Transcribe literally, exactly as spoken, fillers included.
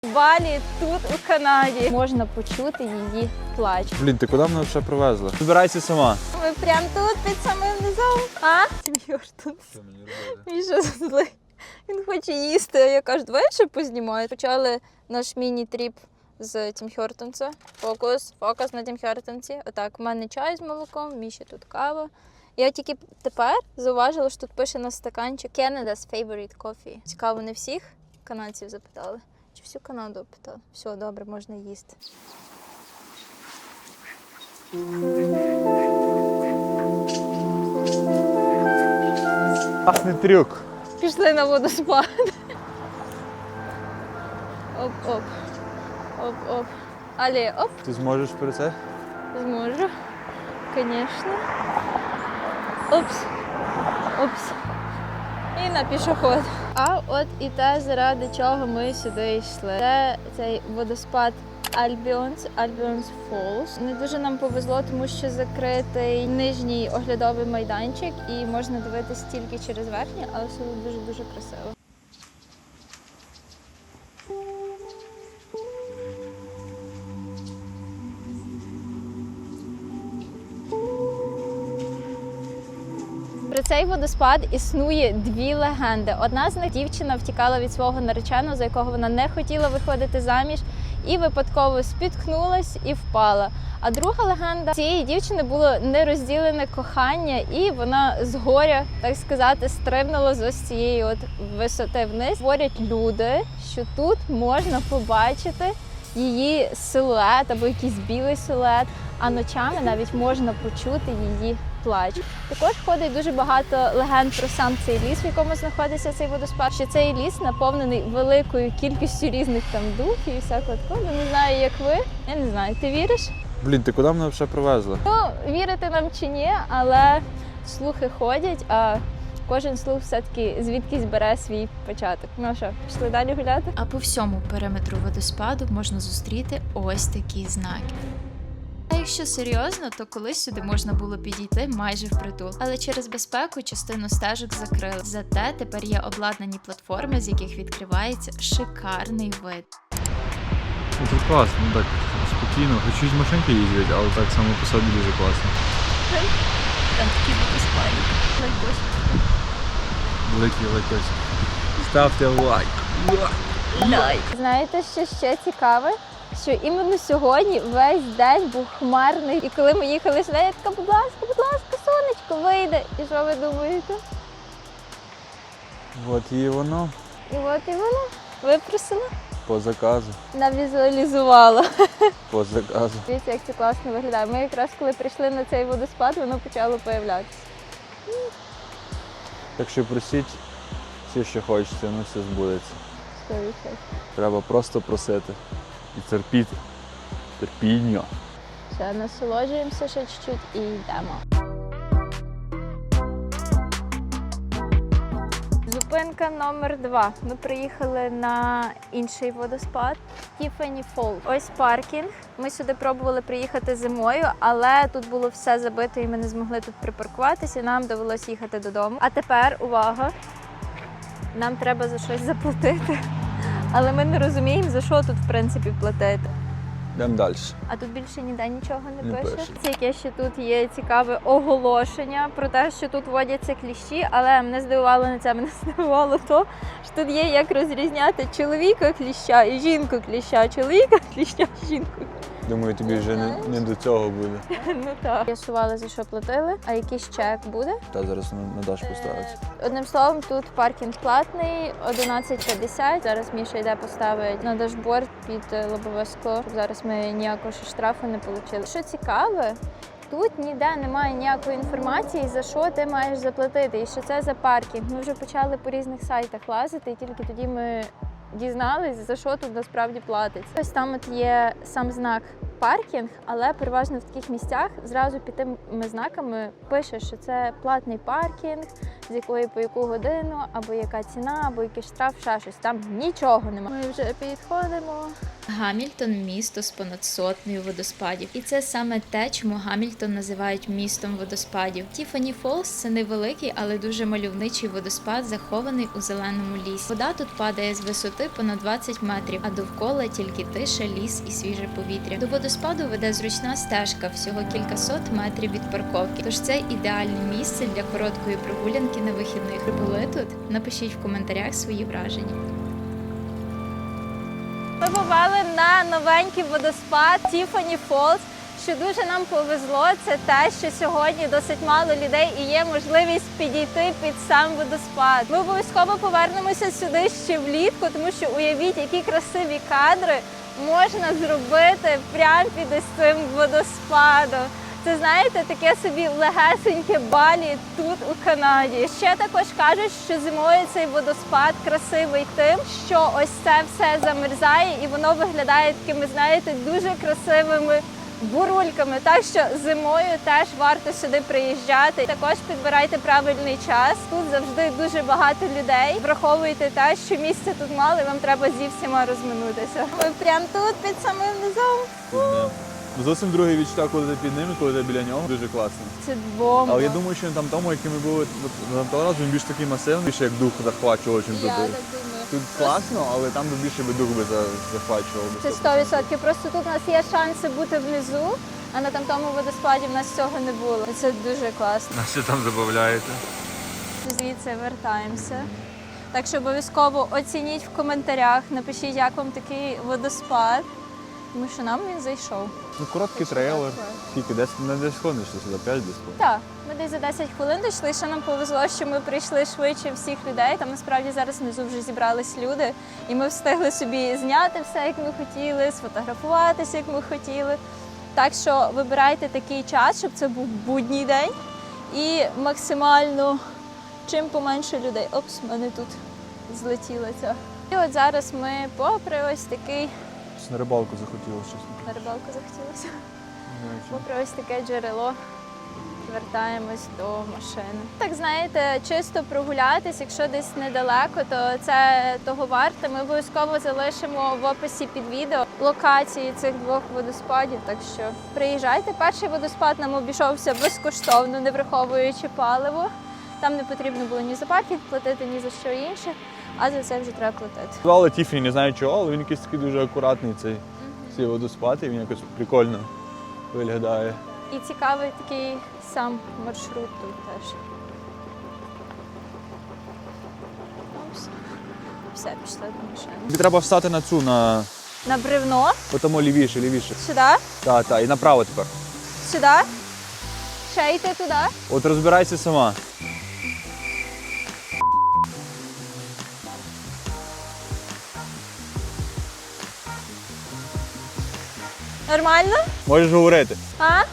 Балі тут, у Канаді. Можна почути її плач. Блін, ти куди мене вже привезла? Збирайся сама. Ми прямо тут, під самим низом. А? Тім Хортонс. Міша злий. Він хоче їсти, а я кажу, давай ще познімаю. Почали наш міні-тріп з Тім Хортонса. Фокус, фокус на Тім Хортонсі. Отак, у мене чай з молоком, Міші тут кава. Я тільки тепер зауважила, що тут пише на стаканчик Canada's favorite coffee. Цікаво, не всіх канадців запитали? Чи всю Канаду опитали? Все, добре, можна їсти. Класний трюк. Пішли на водоспад. Оп-оп. Оп-оп. Але оп, Ти зможеш про це? зможу. Звісно. Опс. Опс. І на пішохід. А от і те, заради чого ми сюди йшли. Це цей водоспад Альбіонс, Альбіонс Фоллс. Не дуже нам повезло, тому що закритий нижній оглядовий майданчик і можна дивитися тільки через верхній, але все дуже-дуже красиво. Про цей водоспад існує дві легенди. Одна з них – дівчина втікала від свого нареченого, за якого вона не хотіла виходити заміж, і випадково спіткнулась і впала. А друга легенда – цієї дівчини було нерозділене кохання, і вона з горя, так сказати, стрибнула з ось цієї от висоти вниз. Говорять люди, що тут можна побачити її силует або якийсь білий силует, а ночами навіть можна почути її плач. Також ходить дуже багато легенд про сам цей ліс, в якому знаходиться цей водоспад, що цей ліс наповнений великою кількістю різних там духів і всякого такого. Не знаю, як ви. Я не знаю, ти віриш? Блін, ти куди мене вже привезла? Ну, вірити нам чи ні, але слухи ходять, а кожен слух все-таки звідкись бере свій початок. Ну що, пішли далі гуляти? А по всьому периметру водоспаду можна зустріти ось такі знаки. А якщо серйозно, то колись сюди можна було підійти майже впритул. Але через безпеку частину стежок закрили. Зате тепер є обладнані платформи, з яких відкривається шикарний вид. Ну, тут класно, ну так спокійно. Хочу з машинки їздити, але так само по собі дуже класно. Там такі водоспади. Лайкос. Великий лайкос. Ставте лайк. Лайк. Знаєте, що ще цікаве? Що іменно сьогодні весь день був хмарний. І коли ми їхали сюди, я така, будь ласка, будь ласка, сонечко, вийде. І що ви думаєте? От і воно. І от і воно випросила. По заказу. Навізуалізувала. По заказу. Дивіться, як це класно виглядає. Ми якраз коли прийшли на цей водоспад, воно почало появлятися. Так що просіть все, що хочете, воно все збудеться. сто відсотків. Треба просто просити. І терпіти. Терпіння. Все, насолоджуємося ще чуть-чуть і йдемо. Зупинка номер два. Ми приїхали на інший водоспад Тіфані Фолл. Ось паркінг. Ми сюди пробували приїхати зимою, але тут було все забито і ми не змогли тут припаркуватися, і нам довелося їхати додому. А тепер, увага, нам треба за щось заплатити. Але ми не розуміємо, за що тут, в принципі, платити. Йдемо далі. А тут більше ніде нічого не, Не пише. пише. Це яке ще тут є цікаве оголошення про те, що тут водяться кліщі, але мене здивувало не це, мене здивувало то, що тут є як розрізняти чоловіка кліща і жінку кліща, чоловіка кліща, жінку. Думаю, тобі вже не, не до цього буде. Ну так. З'ясували, за що платили, а якийсь чек буде. Та зараз на, на Дашку ставиться. Одним словом, тут паркінг платний, одинадцять п'ятдесят. Зараз Міша йде поставить на дашборд під лобове скло, щоб зараз ми ніякого ще штрафу не отримали. Що цікаве, тут ніде немає ніякої інформації, за що ти маєш заплатити і що це за паркінг. Ми вже почали по різних сайтах лазити, і тільки тоді ми дізнались, за що тут насправді платиться. Ось там от є сам знак паркінг, але переважно в таких місцях зразу під тими знаками пише, що це платний паркінг, з якої по яку годину, або яка ціна, або який штраф, ще щось. Там нічого немає. Ми вже підходимо. Гамільтон – місто з понад сотнею водоспадів. І це саме те, чому Гамільтон називають містом водоспадів. Тіфані Фолс – це невеликий, але дуже мальовничий водоспад, захований у зеленому лісі. Вода тут падає з висоти понад двадцять метрів, а довкола тільки тиша, ліс і свіже повітря. До водоспаду веде зручна стежка, всього кількасот метрів від парковки. Тож це ідеальне місце для короткої прогулянки на вихідних. Ви були тут? Напишіть в коментарях свої враження. Ми попали на новенький водоспад Тіфані Фолс. Що дуже нам повезло, це те, що сьогодні досить мало людей і є можливість підійти під сам водоспад. Ми обов'язково повернемося сюди ще влітку, тому що уявіть, які красиві кадри можна зробити прямо під ось цим водоспадом. Це, знаєте, таке собі легесеньке Балі тут, у Канаді. Ще також кажуть, що зимою цей водоспад красивий тим, що ось це все замерзає і воно виглядає такими, знаєте, дуже красивими бурульками. Так що зимою теж варто сюди приїжджати. Також підбирайте правильний час. Тут завжди дуже багато людей. Враховуйте те, що місця тут мало і вам треба зі всіма розминутися. Ми прямо тут, під самим низом. Зовсім друге відчуття, коли ти під ним, коли ти біля нього. Дуже класно. Це бомба. Але я думаю, що там тому, який ми були на того разу, він більш такий масивний, більше як дух захвачував, чим тут. Я так думаю. Тут класно, але там би більше би дух би за- захвачував. би Це сто відсотків. Просто тут у нас є шанси бути внизу, а на тамтому водоспаді в нас цього не було. І це дуже класно. На що там забавляєте? Звідси вертаємося. Так що обов'язково оцініть в коментарях, напишіть, як вам такий водоспад, тому що нам він зайшов. Ну, короткий трейлер. Скільки? Десь не десь хвилин йшли сюди, п'ять десь. Так, ми десь за десять хвилин дійшли, що нам повезло, що ми прийшли швидше всіх людей. Там насправді зараз внизу вже зібрались люди, і ми встигли собі зняти все, як ми хотіли, сфотографуватися, як ми хотіли. Так що вибирайте такий час, щоб це був будній день і максимально чим поменше людей. Опс, в мене тут злетіла ця. І от зараз ми попри ось такий, На рибалку захотілося, чесно. на рибалку захотілося. Не знаю, чому. Попри ось таке джерело, вертаємось до машини. Так, знаєте, чисто прогулятись, якщо десь недалеко, то це того варте. Ми обов'язково залишимо в описі під відео локації цих двох водоспадів, так що приїжджайте. Перший водоспад нам обійшовся безкоштовно, не враховуючи паливо. Там не потрібно було ні за паркінг платити, ні за що інше, а за це вже треба платити. Звали Тіфані, не знаю чого, але він якийсь такий дуже акуратний цей, цей водоспад, і він якось прикольно виглядає. І цікавий такий сам маршрут тут теж. Опс. Все, пішли до машини. Тобі треба встати на цю, на На бревно. тому лівіше, лівіше. Сюди. Так, так, і направо тепер. Сюди. Ще йти туди. От розбирайся сама. Нормально? Можеш говорити. А?